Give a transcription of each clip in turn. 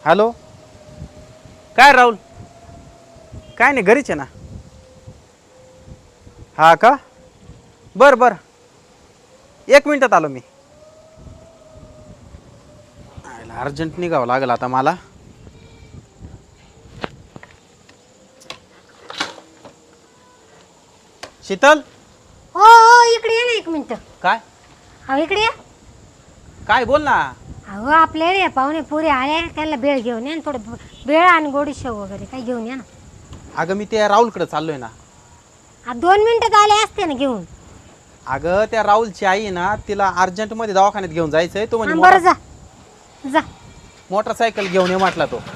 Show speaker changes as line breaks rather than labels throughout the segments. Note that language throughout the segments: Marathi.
हॅलो. काय राहुल? काय नाही, घरीच आहे ना. हा का? बरं बरं, 1 मिनिटात आलो मी. अर्जंट निघावं लागेल आता मला. शीतल.
हो हो, इकडे ये ना 1 मिनिट.
काय?
अहो इकडे या.
काय बोल ना.
अहो आपल्याला या पाहुणे पुरे आले, त्यांना बेळ घेऊन या ना, थोडं बेळ आणि गोडी शेव वगैरे काही घेऊन या ना.
अगं मी त्या राहुलकडे चाललोय ना.
2 मिनिटात आले असते ना घेऊन.
अगं त्या राहुलची आई आहे ना, तिला अर्जंटमध्ये दवाखान्यात घेऊन जायचंय. तो
बरं
म्हणे
जा जा.
मोटरसायकल घेऊन ये म्हटला तो.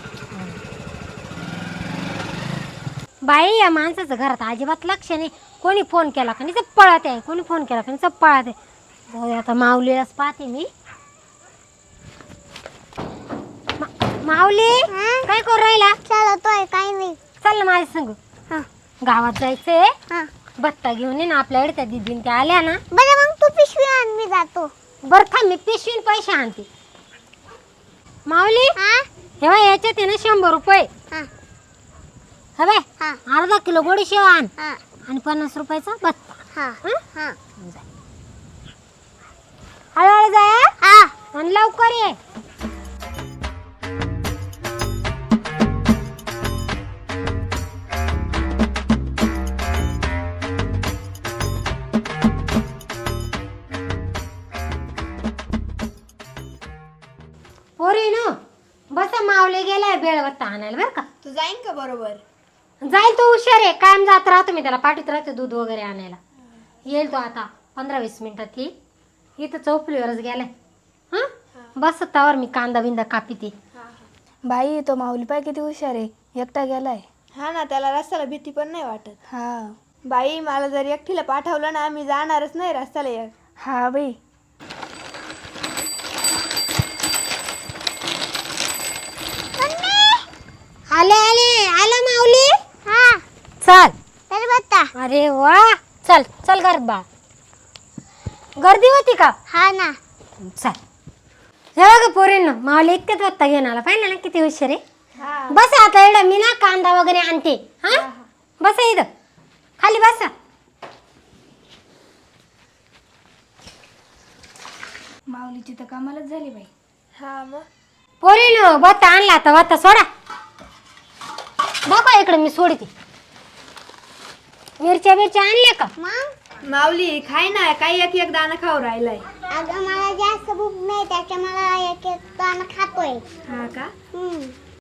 बाई या माणसाचं घरात अजिबात लक्ष नाही. कोणी फोन केला का नाही पळत आहे, कोणी फोन केला का नाही पळत आहे. जाऊ दे आता, माऊलीलाच पाहते मी. माऊली काय करू राहिला?
चालतोय काही नाही.
चल ना माझ्या संग.
हा
गावात जायचंय.
हा
बत्ता घेऊन ये ना, आपल्याकडे त्या दिदीन त्या आल्या ना.
बरं मग तू पिशवी आण, मी जातो.
बरं थांब, मी पिशवीन पैसे आणते. माऊली
हा
हे बाय, याच्यात आहे ना 100 रुपये.
हा
हा बाय,
हा
अर्धा किलो गोडी शेव आण
हा
आणि 50 रुपयाचा बत्ता.
हा हा
हळूहळू जाय
हा.
आणि लवकर ये. पोरीनो बस, मावले गेलाय बेळवत्ता आणायला बरं का.
तू जाईन का बरोबर?
जाईल तो, हुशार आहे. कायम जात राहतो मी त्याला, पाठीत राहतो दूध वगैरे आणायला. येईल तो आता 15-20 मिनिटात येईल. इथं चौपलीवरच गेलाय. हा बस तावर मी कांदा बिंदा कापिते.
बाई तो माऊली पाय किती हुशार आहे, एकटा गेलाय.
हा ना, त्याला रस्त्याला भीती पण नाही वाटत.
हा
बाई मला जर एकटीला पाठवलं ना, मी जाणारच नाही रस्त्याला एक.
हा बाई.
आले आले आला माऊली.
हा
चल.
तर बत्ता.
अरे वा, चल चल घरात बा. गर्दी होती का?
हा ना.
चल. हे बघा पोरींनो, माऊली इतक्यात बत्ता घेऊन आला. पाहिलं ना किती हुशार आहे. बस आता एवढं मी ना कांदा वगैरे आणते. हा बस इथं खाली बसा.
माऊलीची तर कामालाच झाली बाई.
हा मग
पोरीनो बत्ता आणला, आता बत्ता सोडा. बघा इकडे मी सोडते. मिरच्या आणल्या का?
मग
माऊली खाय ना, काही एक दाणा खाऊ राहिलाय.
अगं मला जास्त भूक नाही, त्याच्या मला एक एक दाणा खातोय.
हा का?